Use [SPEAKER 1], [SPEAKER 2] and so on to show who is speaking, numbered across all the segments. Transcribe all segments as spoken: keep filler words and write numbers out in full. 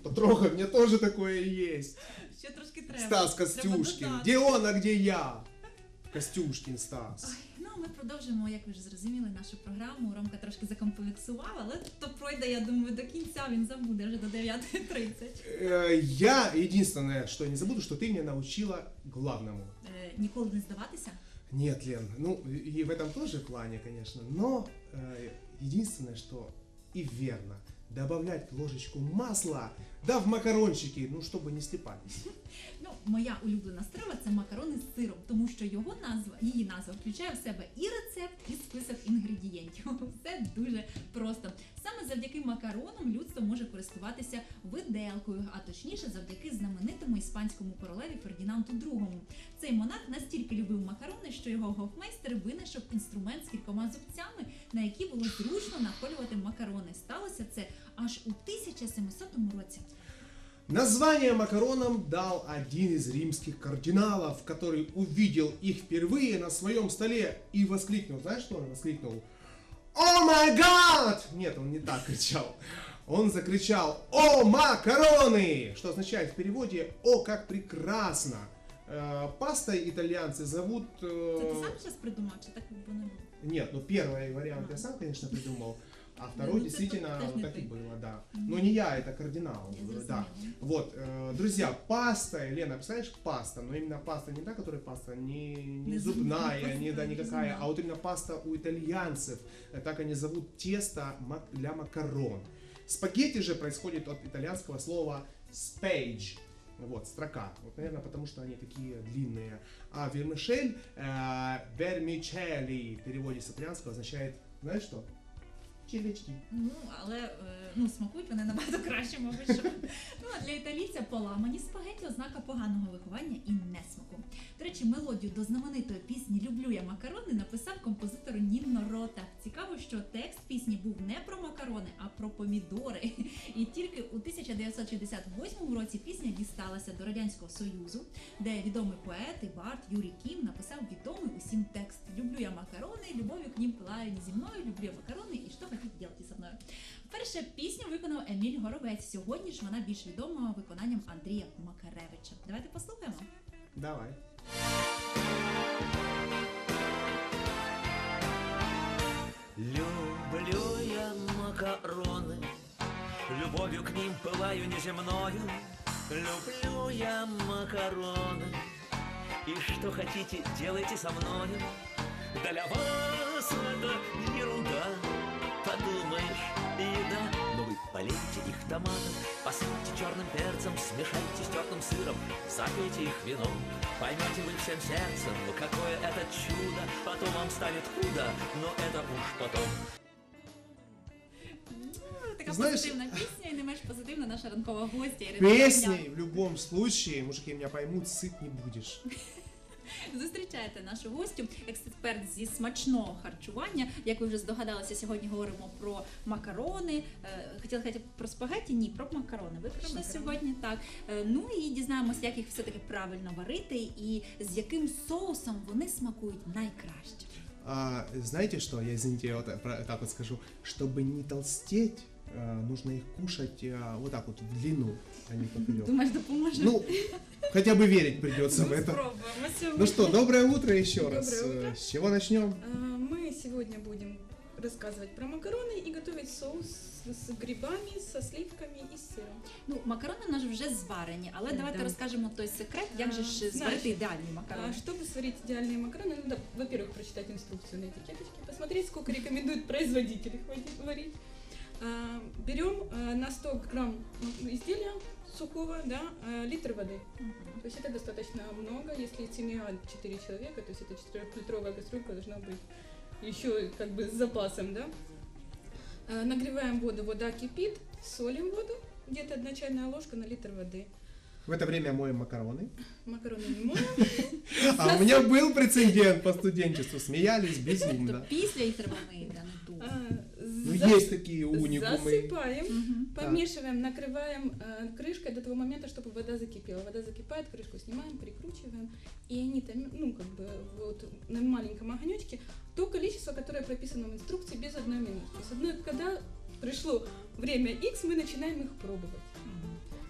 [SPEAKER 1] потрогай, у меня тоже такое есть.
[SPEAKER 2] Ще трошки треба.
[SPEAKER 1] Стас Костюшкин. Где он, а где я? Костюшкин Стас.
[SPEAKER 2] Ой, ну, ми продовжуємо, як ви вже зрозуміли, нашу програму. Ромка трошки закомплексував, але то пройде, я думаю, до кінця, він забуде вже до дев'ятої тридцять.
[SPEAKER 1] Э, Я, единственное, что я не забуду, что ты меня научила главному.
[SPEAKER 2] Е, ніколи не здаватися?
[SPEAKER 1] Нет, Лен, ну и в этом тоже плане, конечно, но э, единственное, что и верно, добавлять ложечку масла, да в макарончики, ну чтобы не слипались.
[SPEAKER 2] Ну, моя улюблена страва – це макарони з сиром, тому що його назва, її назва включає в себе і рецепт, і список інгредієнтів. Все дуже просто. Саме завдяки макаронам людство може користуватися виделкою, а точніше завдяки знаменитому іспанському королеві Фердінанду другому. Цей монарх настільки любив макарони, що його гофмейстер винайшов інструмент з кількома зубцями, на які було зручно наколювати макарони. Сталося це аж у тисяча сімсотому році.
[SPEAKER 1] Название макаронам дал один из римских кардиналов, который увидел их впервые на своем столе и воскликнул. Знаешь, что он воскликнул? «О май гад!» Нет, он не так кричал. Он закричал «О макароны!», что означает в переводе «О, как прекрасно!». Э, Пастой итальянцы зовут... э,
[SPEAKER 2] Це ти сам зараз придумав, чи так би не було?
[SPEAKER 1] Нет, ну первый вариант я сам, конечно, придумал, а второй
[SPEAKER 2] Ну,
[SPEAKER 1] действительно
[SPEAKER 2] это тоже
[SPEAKER 1] вот
[SPEAKER 2] не
[SPEAKER 1] так и
[SPEAKER 2] ты.
[SPEAKER 1] было, да. Но не я, это кардинал.
[SPEAKER 2] Я
[SPEAKER 1] Да.
[SPEAKER 2] зрозуміла.
[SPEAKER 1] Вот, э, друзья, паста, Лена, представляешь, паста, но именно паста не та, которая паста, не, не
[SPEAKER 2] Не
[SPEAKER 1] зубная,
[SPEAKER 2] зубная,
[SPEAKER 1] не, да,
[SPEAKER 2] не
[SPEAKER 1] никакая,
[SPEAKER 2] зубная.
[SPEAKER 1] а вот именно паста у итальянцев. Э, Так они зовут тесто мак- для макарон. Спагетти же происходит от итальянского слова spage. Вот, строка. Вот, наверное, потому что они такие длинные. А вермишель, э, vermicelli, в переводе с итальянского означает, знаешь что? Червячки.
[SPEAKER 2] Ну, але е, ну, смакують вони набагато краще, мабуть, що. Ну, а для італійця поламані спагеті – ознака поганого виховання і несмаку. До речі, мелодію до знаменитої пісні «Люблю я макарони» написав композитор Нінно Рота. Цікаво, що текст пісні був не про макарони, а про помідори. І тільки у тисяча дев'ятсот шістдесят восьмому році пісня дісталася до Радянського Союзу, де відомий поет і бард Юрій Кім написав відомий усім текст «Люблю я макарони, любов'ю к ним пылаю не зі мною, люблю я макарони і що хотіть делати зі мною». Перша пісню виконав Еміль Горовець. Сьогодні ж вона більш відома виконанням Андрія Макаревича. Давайте послухаємо.
[SPEAKER 1] Давай.
[SPEAKER 3] Люблю я макароны, любовью к ним пылаю неземною. Люблю я макароны, и что хотите, делайте со мною. Для вас это ерунда, подумаешь, еда. Но вы полейте их томатом, посыпьте черным перцем, смешайте с тертым сыром, запейте их вином. Поймете вы всем сердцем, какое это чудо, потом вам станет худо, но это уж потом.
[SPEAKER 2] Ну, така
[SPEAKER 1] Знаєш-
[SPEAKER 2] позитивна пісня і не менш позитивна наша ранкова гостя Ірина
[SPEAKER 1] Песней
[SPEAKER 2] Ганян.
[SPEAKER 1] в любом случае, мужики меня поймут, сыт не будешь.
[SPEAKER 2] Зустрічайте нашу гостю, експерт зі смачного харчування. Як ви вже здогадалися, сьогодні говоримо про макарони. Е, Хотіла сказати про спагетті? Ні, про макарони. Ви прийшли
[SPEAKER 4] макарони.
[SPEAKER 2] сьогодні, так. Е, Ну і дізнаємося, як їх все-таки правильно варити і з яким соусом вони смакують найкраще.
[SPEAKER 1] А, знаете что, я, извините, я вот про- так вот скажу, чтобы не толстеть, а, нужно их кушать а, вот так вот в длину, а не поперек.
[SPEAKER 2] Думаєш, допоможе?
[SPEAKER 1] Ну, хотя бы верить придется в это.
[SPEAKER 4] Спробуємо сьогодні.
[SPEAKER 1] Ну что, доброе утро еще раз.
[SPEAKER 4] Доброе утро.
[SPEAKER 1] Э, С чего начнем?
[SPEAKER 4] А, Мы сегодня будем рассказывать про макароны и готовить соус с грибами, со сливками и с сыром.
[SPEAKER 2] Ну, макарони в нас вже зварені, але давайте
[SPEAKER 4] Да.
[SPEAKER 2] розкажемо той секрет, як же ж
[SPEAKER 4] А,
[SPEAKER 2] зварити
[SPEAKER 4] знаєш,
[SPEAKER 2] ідеальні
[SPEAKER 4] А,
[SPEAKER 2] макарони.
[SPEAKER 4] Чтобы сварить идеальные макароны, надо, во-первых, прочитать инструкцию на этикеточке, посмотреть, сколько рекомендует производитель их вари- варить. А, Берем а, на сто грамм изделия сухого, да, а, литр воды.
[SPEAKER 2] Мгм.
[SPEAKER 4] То есть это достаточно много, если семья четыре человека, то есть это четырехлитровая кастрюлька должна быть еще как бы с запасом, да. Э, Нагреваем воду, вода кипит, солим воду, где-то одна чайная ложка на литр воды.
[SPEAKER 1] В это время моем макароны.
[SPEAKER 4] Макароны не моем.
[SPEAKER 1] А у меня был прецедент по студенчеству, смеялись
[SPEAKER 2] Тобто
[SPEAKER 1] безумно.
[SPEAKER 2] після їх треба мити, а не до.
[SPEAKER 4] А,
[SPEAKER 1] Ну
[SPEAKER 4] за-
[SPEAKER 1] есть такие уникумы.
[SPEAKER 4] Засыпаем,
[SPEAKER 2] Мгм.
[SPEAKER 4] помешиваем, накрываем э, крышкой до того момента, чтобы вода закипела. Вода закипает, крышку снимаем, прикручиваем, и они там, ну, как бы, вот на маленьком огонечке то количество, которое прописано в инструкции, без одной минуты. То есть одной, когда пришло время X, мы начинаем их пробовать.
[SPEAKER 2] Мгм.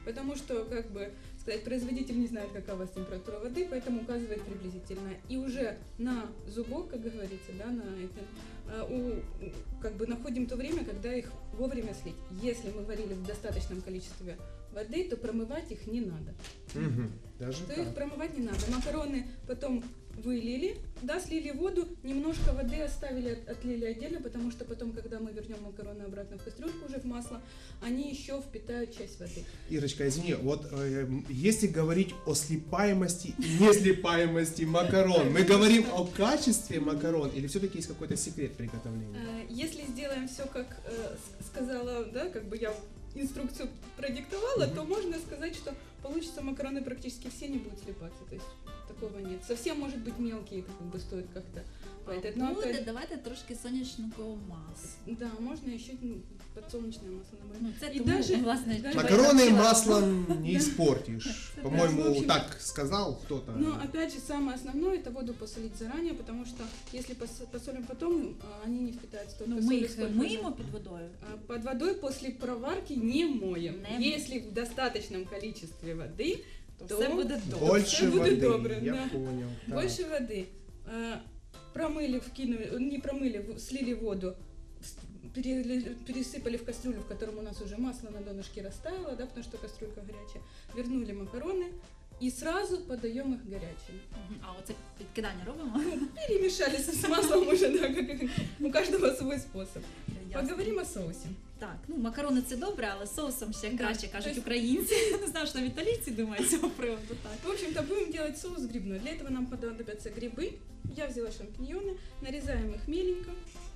[SPEAKER 4] потому что, как бы сказать, производитель не знает, какая у вас температура воды, поэтому указывает приблизительно. И уже на зубок, как говорится, да, на это, а, у, у- как бы находим то время, когда их вовремя слить. Если мы варили в достаточном количестве воды, то промывать их не надо.
[SPEAKER 1] Мгм. Даже
[SPEAKER 4] То
[SPEAKER 1] так.
[SPEAKER 4] их промывать не надо. Макароны потом вылили, да, слили воду, немножко воды оставили, от- отлили отдельно, потому что потом, когда мы вернем макароны обратно в кастрюльку уже в масло, они еще впитают часть воды.
[SPEAKER 1] Ирочка, извини, вот э, если говорить о слипаемости и неслипаемости макарон, мы говорим о качестве макарон или все-таки есть какой-то секрет приготовления?
[SPEAKER 4] Э, Если сделаем все, как э, с- сказала, да, как бы я инструкцию продиктовала,
[SPEAKER 1] Мгм.
[SPEAKER 4] то можно сказать, что получится макароны практически все не будут слипаться. То есть такого нет. Совсем, может быть, мелкие, как бы стоит как-то поэтому, но
[SPEAKER 2] Буде,
[SPEAKER 4] опять-
[SPEAKER 2] давайте трошки сонячного масла.
[SPEAKER 4] да, можно еще ну, подсолнечное масло добавить.
[SPEAKER 2] Ну, це
[SPEAKER 4] І
[SPEAKER 2] тому,
[SPEAKER 4] даже-
[SPEAKER 2] власне,
[SPEAKER 4] даже-
[SPEAKER 2] чого я
[SPEAKER 1] Макароны
[SPEAKER 2] хотіла.
[SPEAKER 1] маслом не
[SPEAKER 4] Да.
[SPEAKER 1] испортишь.
[SPEAKER 4] Да, в
[SPEAKER 1] По-моему,
[SPEAKER 4] общем-
[SPEAKER 1] так сказал кто-то.
[SPEAKER 4] Но опять же, самое основное это воду посолить заранее, потому что если пос- посолим потом, а, они не впитают столько
[SPEAKER 2] Ну, ми
[SPEAKER 4] соли,
[SPEAKER 2] їх
[SPEAKER 4] сколько
[SPEAKER 2] миємо
[SPEAKER 4] надо.
[SPEAKER 2] під водою.
[SPEAKER 4] А, Под водой после проварки не моем.
[SPEAKER 2] Не моем.
[SPEAKER 4] Если в достаточном количестве воды,
[SPEAKER 2] То
[SPEAKER 4] то
[SPEAKER 2] все буде добре.
[SPEAKER 1] Больше
[SPEAKER 4] Все будет
[SPEAKER 1] воды,
[SPEAKER 4] добре,
[SPEAKER 1] я
[SPEAKER 4] да.
[SPEAKER 1] понял. так.
[SPEAKER 4] больше воды. А, Промыли, вкинули, не промыли, в- слили воду, с- перели- пересыпали в кастрюлю, в котором у нас уже масло на донышке растаяло, да, потому что кастрюлька горячая. Вернули макароны и сразу подаем их горячими.
[SPEAKER 2] Мгм. А оце підкидання робимо?
[SPEAKER 4] Перемешали с маслом уже, да, как у каждого свой способ.
[SPEAKER 2] Ясно.
[SPEAKER 4] Поговорим о соусе.
[SPEAKER 2] Так, ну макарони це добре, але соусом ще
[SPEAKER 4] Да,
[SPEAKER 2] краще, кажуть
[SPEAKER 4] тобто-
[SPEAKER 2] українці. Не знаю, що там італійці думають з цього приводу. Так.
[SPEAKER 4] В общем-то, будем делать соус грибной. Для этого нам понадобятся грибы. Я взяла шампиньоны, нарезаем их меленько.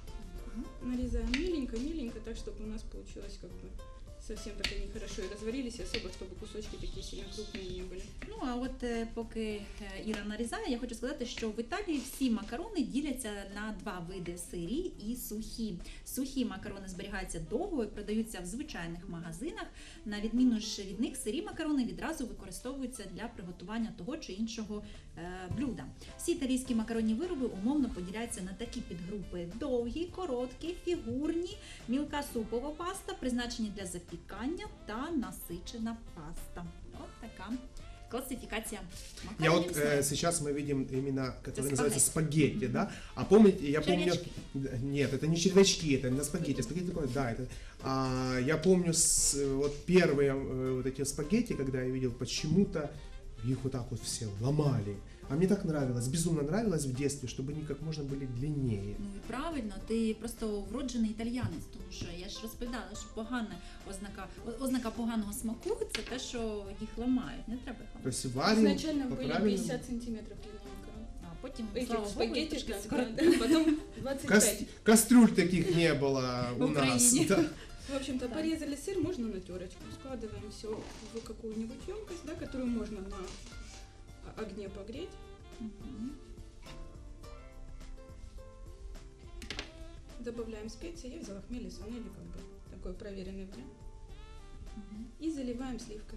[SPEAKER 4] Нарезаем меленько, меленько, так, чтобы у нас получилось как бы совсем так они хорошо и разварились, и особо, чтобы кусочки такие сильно крупные не были.
[SPEAKER 2] Ну а от е, поки е, Іра нарізає, я хочу сказати, що в Італії всі макарони діляться на два види: сирі і сухі. Сухі макарони зберігаються довго і продаються в звичайних магазинах. На відміну ж від них, сирі макарони відразу використовуються для приготування того чи іншого е, блюда. Всі італійські макаронні вироби умовно поділяються на такі підгрупи: довгі, короткі, фігурні, мілка супова паста, призначені для запікання, та насичена паста. От така классификация
[SPEAKER 1] Я
[SPEAKER 2] макаронов.
[SPEAKER 1] вот э, сейчас мы видим именно, которые
[SPEAKER 2] Это
[SPEAKER 1] называются
[SPEAKER 2] спагетти.
[SPEAKER 1] спагетти, да? А помните, я помню...
[SPEAKER 2] Червячки.
[SPEAKER 1] Да, Нет, это не червячки, это на спагетти. Спагетти такое, да, это... А, я помню с, вот первые э, вот эти спагетти, когда я видел, почему-то их вот так вот все ломали. А мне так нравилось, безумно нравилось в детстве, чтобы они как можно были длиннее.
[SPEAKER 2] Ну і правильно, ти просто вроджений італіянець, тому що я ж розповідала, що погана ознака, о- ознака поганого смаку це те, що їх ламають. Не треба їх
[SPEAKER 1] То
[SPEAKER 2] ламати.
[SPEAKER 1] есть варим
[SPEAKER 4] Изначально
[SPEAKER 1] по
[SPEAKER 4] были
[SPEAKER 1] правильному.
[SPEAKER 4] пятьдесят сантиметров длины макарон.
[SPEAKER 2] А потім,
[SPEAKER 4] Этих
[SPEAKER 2] слава Богу,
[SPEAKER 4] спагетти,
[SPEAKER 2] трошки
[SPEAKER 4] да,
[SPEAKER 2] скоротили.
[SPEAKER 4] да, потом двадцать
[SPEAKER 1] Кас-
[SPEAKER 4] пять.
[SPEAKER 1] Кастрюль таких не было
[SPEAKER 2] В
[SPEAKER 1] у нас.
[SPEAKER 2] Украине.
[SPEAKER 1] Да.
[SPEAKER 4] В общем-то,
[SPEAKER 2] Да.
[SPEAKER 4] порезали сыр, можно на терочку. Складываем все в какую-нибудь емкость, да, которую можно на о- огне погреть.
[SPEAKER 2] Мгм.
[SPEAKER 4] Добавляем специи. Я взяла хмель и сунели, как бы такой проверенный вариант.
[SPEAKER 2] Мгм.
[SPEAKER 4] И заливаем сливками.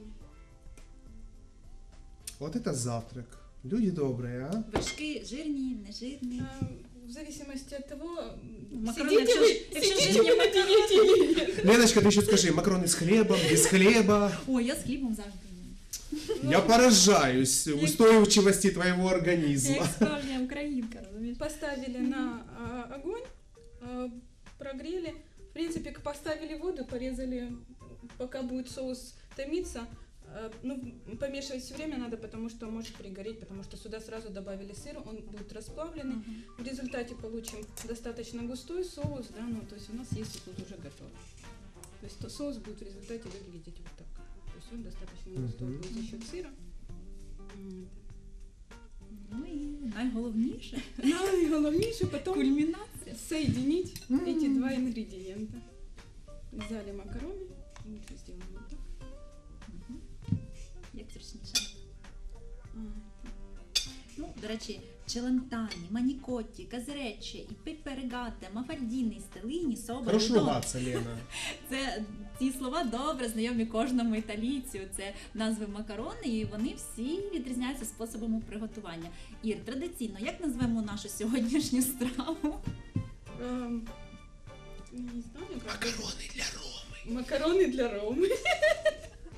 [SPEAKER 1] Вот это завтрак. Люди добрые, а?
[SPEAKER 2] Вершки жирні, нежирні.
[SPEAKER 4] А, в зависимости от того,
[SPEAKER 2] Макароны,
[SPEAKER 4] сидите
[SPEAKER 2] якщо
[SPEAKER 4] вы,
[SPEAKER 2] ж- якщо
[SPEAKER 4] сидите
[SPEAKER 2] жирні
[SPEAKER 4] вы на диете или нет.
[SPEAKER 1] Леночка, ты еще скажи, макароны с хлебом, без хлеба.
[SPEAKER 2] Ой, я з хлібом завжди їм.
[SPEAKER 1] Я поражаюсь устойчивости твоего
[SPEAKER 2] Я
[SPEAKER 1] организма.
[SPEAKER 2] як справжня українка, розумієш?
[SPEAKER 4] Поставили на а, огонь, а, прогрели. В принципе, к- поставили воду, порезали, пока будет соус томиться. А, ну, помешивать все время надо, потому что может пригореть, потому что сюда сразу добавили сыр, он будет расплавленный.
[SPEAKER 2] Мгм.
[SPEAKER 4] В результате получим достаточно густой соус, да, ну, то есть у нас есть тут уже готов. То есть то соус будет в результате выглядеть вот так. То есть он достаточно густой
[SPEAKER 1] Мгм.
[SPEAKER 4] будет за счет сыра. М.
[SPEAKER 2] Ну і найголовніше
[SPEAKER 4] Ну и главнейшее потом
[SPEAKER 2] кульмінація.
[SPEAKER 4] соединить
[SPEAKER 1] М.
[SPEAKER 4] эти два ингредиента. Взяли макароны, лучше сделаем вот так.
[SPEAKER 2] Мгм. Як зручніше.
[SPEAKER 4] А,
[SPEAKER 2] Ну, до речі, челентані, манікотті, казереччі, і пеперегате, мафальдіни, стелині,
[SPEAKER 1] Хорошо
[SPEAKER 2] соболі.
[SPEAKER 1] ругаться, Лена.
[SPEAKER 2] Це ці слова добре знайомі кожному італійцю. Це назви макарони, і вони всі відрізняються способами приготування. Ір, традиційно, як назвемо нашу сьогоднішню страву?
[SPEAKER 4] эм, Не знаю, как.
[SPEAKER 1] Макароны для Ромы.
[SPEAKER 4] Макароны для Ромы.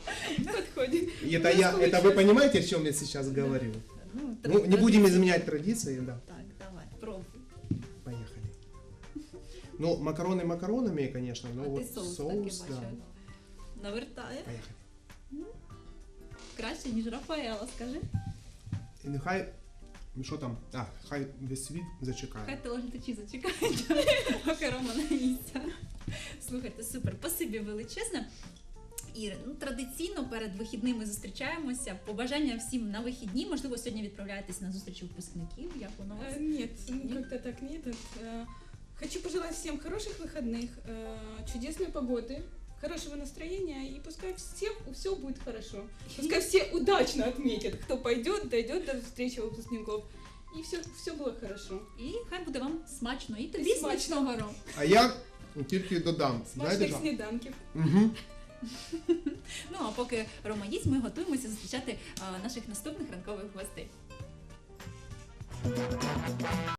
[SPEAKER 4] подходит.
[SPEAKER 1] И это, я, это вы понимаете, о чем я сейчас говорю?
[SPEAKER 2] Ну,
[SPEAKER 1] Ну, не будем изменять традиции, да.
[SPEAKER 2] Так, давай, пробуй.
[SPEAKER 1] Поехали. Ну, макароны макаронами, конечно, но
[SPEAKER 2] А ти
[SPEAKER 1] вот
[SPEAKER 2] соус,
[SPEAKER 1] соус,
[SPEAKER 2] таки
[SPEAKER 1] да.
[SPEAKER 2] бачу. Навертає.
[SPEAKER 1] Поехали.
[SPEAKER 2] Краще, ніж Рафаела, скажи.
[SPEAKER 1] І нехай, ну що там, а, хай весь світ зачекає.
[SPEAKER 2] Хай телеглядачі зачекають, поки Рома наїсться. Слухайте, супер, спасибі величезне. Ір, ну, традиційно перед вихідними зустрічаємося. Побажання всім на вихідні. Можливо, сьогодні відправляєтесь на зустріч випускників. Як воно у вас?
[SPEAKER 4] Э, Нет, ну как-то так нет. Э, Хочу пожелать всем хороших выходных, э, чудесной погоды, хорошего настроения, и пускай всем все будет хорошо. Пускай все удачно отметят, кто пойдет, дойдет до встречи выпускников. И все, все было хорошо.
[SPEAKER 2] І хай буде вам смачно. І тобі
[SPEAKER 4] І смачно.
[SPEAKER 2] смачного, Ром.
[SPEAKER 1] А я тільки додам. Знаєте
[SPEAKER 4] Смачных
[SPEAKER 1] що?
[SPEAKER 4] сніданків.
[SPEAKER 1] Угу.
[SPEAKER 2] Ну а поки Рома їсть, ми готуємося зустрічати а, наших наступних ранкових гостей.